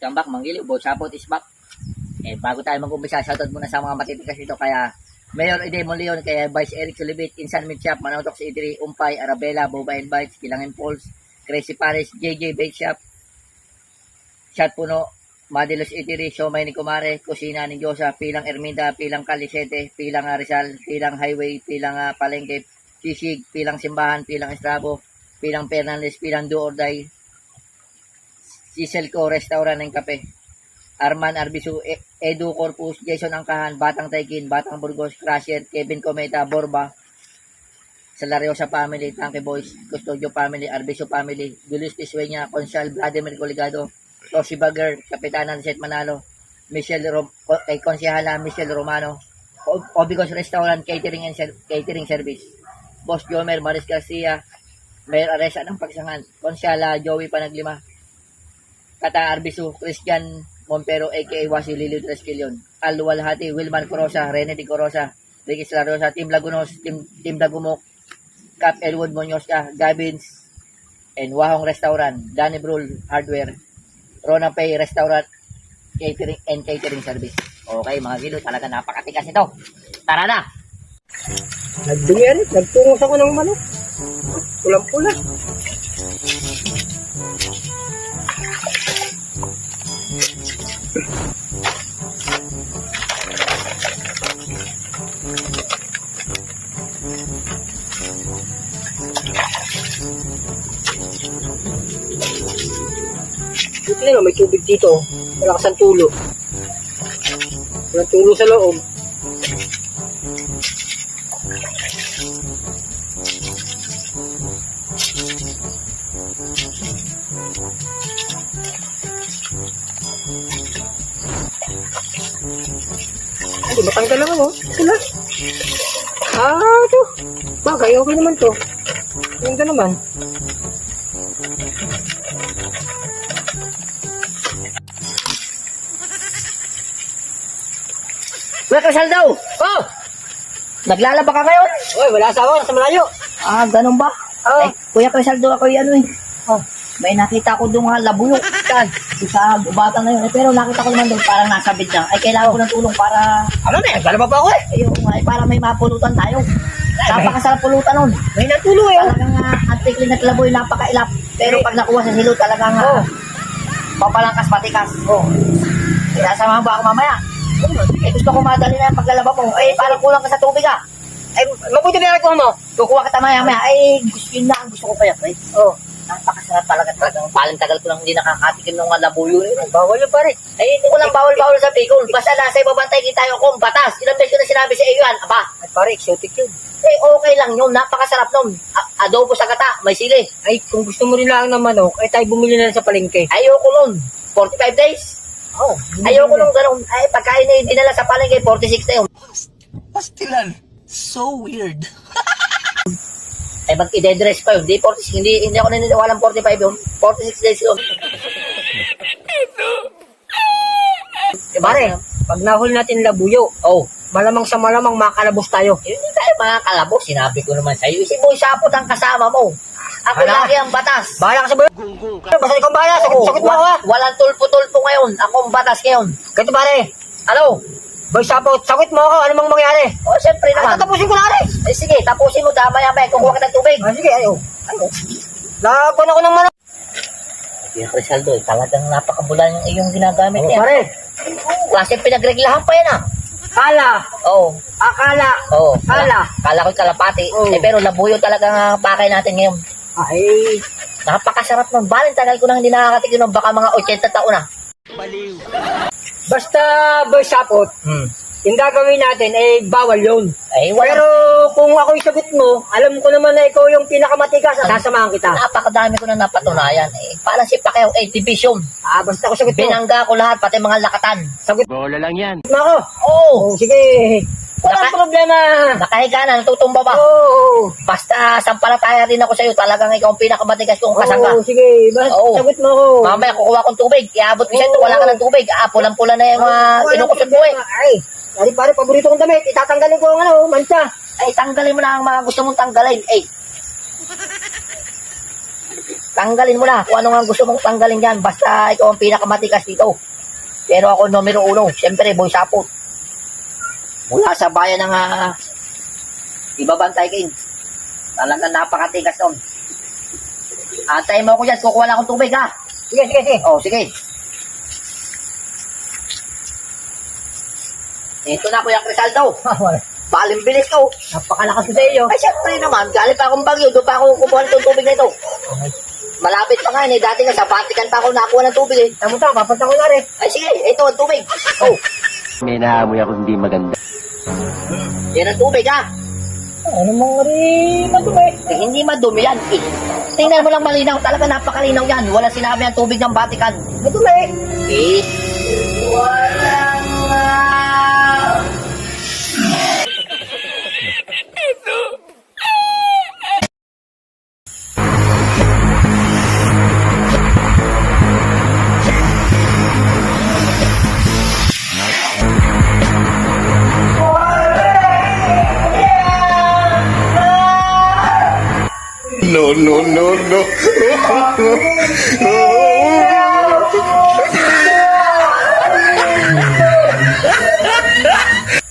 welcome back, Manggili. Boy Sapot is back. Bago tayo mag-umpisa, shoutout muna sa mga matitikas dito. Kaya, Mayor Edemon Leon, kaya Vice Eric Sulibit, Insan Meat Shop, Manotok si Idri, Umpay, Arabella, Boba and Bites, Kilangin Falls, Crazy Paris, JJ Bake Shop, Shot Puno, Madilos Idri, Siomay ni Kumare, Kusina ni Diyosa, Pilang Erminda, Pilang Calisete, Pilang Rizal, Pilang Highway, Pilang Palengke, Sisig, Pilang Simbahan, Pilang Estrabo, Pilang Fernandez, Pilang Do or Die, Siselco Restaurant ng Kape, Arman Arbisu, Edu Corpus, Jason Angkahan, Batang Taikin, Batang Burgos, Crusher, Kevin Cometa, Borba, Salariosa Family, Tanke Boys, Custodio Family, Arbisu Family, Julius Pisweña, Consal, Vladimir Coligado, Rosy Bagger, Kapitana Set Manalo, kay Konsehala, Michelle Romano, Obigos Restaurant, Catering Service, Boss Jomer, Maris Garcia, Mayor Aresa ng Pagsangan, Konsehala, Joey Panaglima, Kata Arbisu, Christian Montero, a.k.a. Wasi Lilio Tresquilion, Al Walhati, Wilman Corosa, Rene Di Corosa, Ricky Slarosa, Team Lagunos, Team Dagumok, Cap Elwood Monyoska, Gabins, and Wahong Restaurant, Danny Brul Hardware, Rona Pay Restaurant, Catering Service. Okay mga gilo, talaga napakatikas ito. Tara na! Nagtungos ako ng manok. Pulang-pula. Ito na, may tubig dito. Malakas ang tulo. Walang tulo sa loob. Ay, matanggal naman oh. Sila. Ito. Bagay, okay naman to. Ganda naman. Kuya Kasal daw! Oh! Naglalaba ka ngayon? Oy, wala asawa. Nasa malayo. Ganun ba? Oh. Kuya Kasal daw ako may nakita ko doon nga labuyok. Saan? Sa gubatan na yun. Pero nakita ko naman doon parang nasa bid na. Kailangan ko ng tulong para... Ano na? Naglalaba pa ako eh. Ayun nga, para may mapulutan tayo. Napakasarap pulutan nun. May natulo eh. Talagang antikli na talaboy, napakailap. Pero pag nakuha sa silo, talagang papalangkas patikas. Sinasamahan ba ako mamaya? Gusto ko madali na yung paglalaba mo. Parang kulang ka sa tubig Ay, mabuti na rin ko mo. Kukuha kita maya-maya. Yun na ang gusto ko kaya, pre. Napakasarap talaga. Paling tagal ko lang hindi nakakatikim ng mga labuyo. Bawal yun pare. Hindi ko lang bawal-bawal sa Bicol. Basta nasa ibabantay tayo kung batas. Ilang beses ko na sinabi sa iyo yan. Aba. Ay pare, exotic yun. Okay lang yun. Napakasarap nun. Adobo sa gata. May sili. Ay, kung gusto mo rin lang ng manok, ay tayo bumili na lang sa palengke. Ayoko nun. 45 days. Ayoko nung ganun. Pagkain na yung dinala sa palengke, 46 na yun. Pastilan. So weird. Mag-i-dress pa yun. Hindi ako naniniwala ng 45 yun. 46 days yun. Pare, pag nahuli natin labuyo, malamang sa malamang makalabos tayo. Hindi tayo makakalabos. Sinabi ko naman sa'yo. Si Boy Sapot ang kasama mo. Ako Hala. lagi ang batas. Bahala ka sa buyo. Basta ikaw bahala. Sakit mo ako ha. Walang tulpo-tulpo ngayon. Ako ang batas ngayon. Ganito pare. Ano? Boy Sapot, sakit mo ako. Ano mang mangyari? Siyempre naman. Tapusin ko na rin. Sige, tapusin mo. Damay-amay. Kukuha ka ng tubig. Sige, laban ako ng manok. Kuya Crisaldo, talagang napakabula yung iyong ginagamit niya. Pare. Kasi pinagreglahan pa yan Kala. Akala. Kala ko'y kalapati. Pero labuyo talaga ang pakay natin ngayon. Ay. Napakasarap nun. Baling tagal ko nang hindi nakakatikin ng baka mga 80 taon na. Baliw. Basta Boy Sapot, yung gagawin natin ay bawal yun. Pero kung ako'y sagot mo, alam ko naman na ikaw yung pinakamatigas, sasamahan kita. Napakadami ko na napatunayan. Parang si Pacquiao, division. Basta ako sagot mo. Binangga ko lahat, pati mga lakatan. Sagot Bola lang yan. mo ako. Sige. Walang problema. Nakahiga na, natutumba ba? Basta sampalataya rin ako sa'yo. Talagang ikaw ang pinakamatigas kong kasangga. Sige. Sagot mo ako. Mamaya kukuha kong tubig. Iabot ko sa'yo. Wala ka ng tubig. Pulang-pula na yung inukusot mo Ay, pare, paborito kong damit. Itatanggalin ko ang mancha. Tanggalin mo na ang mga gusto mong tanggalin. Tanggalin mo na kung ano nga gusto mong tanggalin yan. Basta ikaw ang pinakamatigas dito. Pero ako numero 1. Siyempre, Boy Sapot. Mula sa bayan ng Ibabantay King. Talagang napakatigas nun. Atay mo ako dyan. Kukuha lang akong tubig, ha? Sige, sige, sige. Oh, sige. Ito na, Kuya Crisaldo. Balimbilis ka, oh. Napakalakas ko sa iyo. Ay, syempre naman. Galing pa akong Bagyo. Doon pa ako kukuha ng tubig na ito. Malapit pa nga, eh. Dati nga sa Vatican pa ako nakuha ng tubig, eh. Tama ta, papunta ko na rin. Ay, sige. Ito, ang tubig. Oh, May naamoy ako hindi maganda. yan ang tubig, ha? Ano mong rin madumi? Eh, hindi madumi yan, eh. Tingnan mo lang malinaw. Talaga napakalinaw yan. Wala sinabi ang tubig ng Vatican. Madumi. Eh, walang No, no, no, no.